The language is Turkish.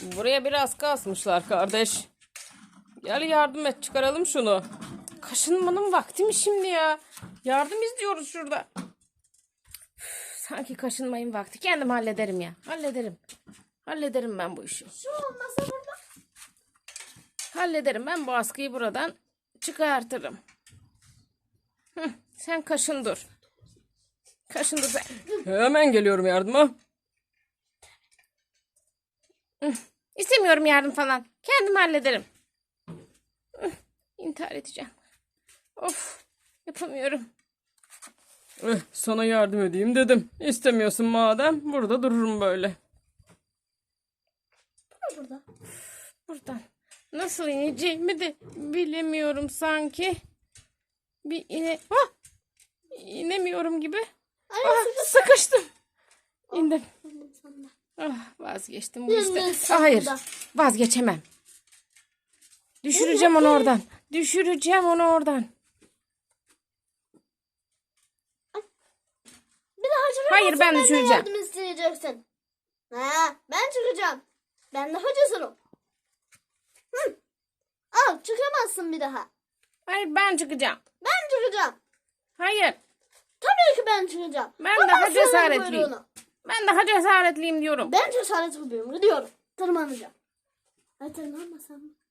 Buraya biraz kasmışlar kardeş. Gel yardım et, çıkaralım şunu. Kaşınmanın vakti mi şimdi ya? Yardım istiyoruz şurada. Sanki kaşınmayın vakti. Kendim hallederim ya. Hallederim. Hallederim ben bu işi. Şu olmasa burada. Hallederim. Ben bu askıyı buradan çıkartırım. Sen kaşın dur. Kaşın dur sen. Hemen geliyorum yardıma. İstemiyorum yardım falan. Kendim hallederim. İntihar edeceğim. Of. Yapamıyorum. Sana yardım edeyim dedim. İstemiyorsun madem. Burada dururum böyle. Burada. Buradan. Nasıl ineceğimi de bilemiyorum sanki. Bir inemiyorum gibi. Sıkıştım. İndim. Vazgeçtim bu işte. Hayır. Vazgeçemem. Düşüreceğim onu oradan. Düşüreceğim onu oradan. Bir daha çıkamazsın. Hayır, ben düşüreceğim. Yardım isteyeceksin. Ben çıkacağım. Ben daha cesurum. Al, çıkamazsın bir daha. Hayır, ben çıkacağım. Ben çıkacağım. Hayır. Tabii ki ben çıkacağım. Ben daha cesaretliyim. Ben daha cesaretliyim diyorum. Ben cesaret yapıyorum. Gidiyorum. Tırmanacağım. Tırmanmasam mı?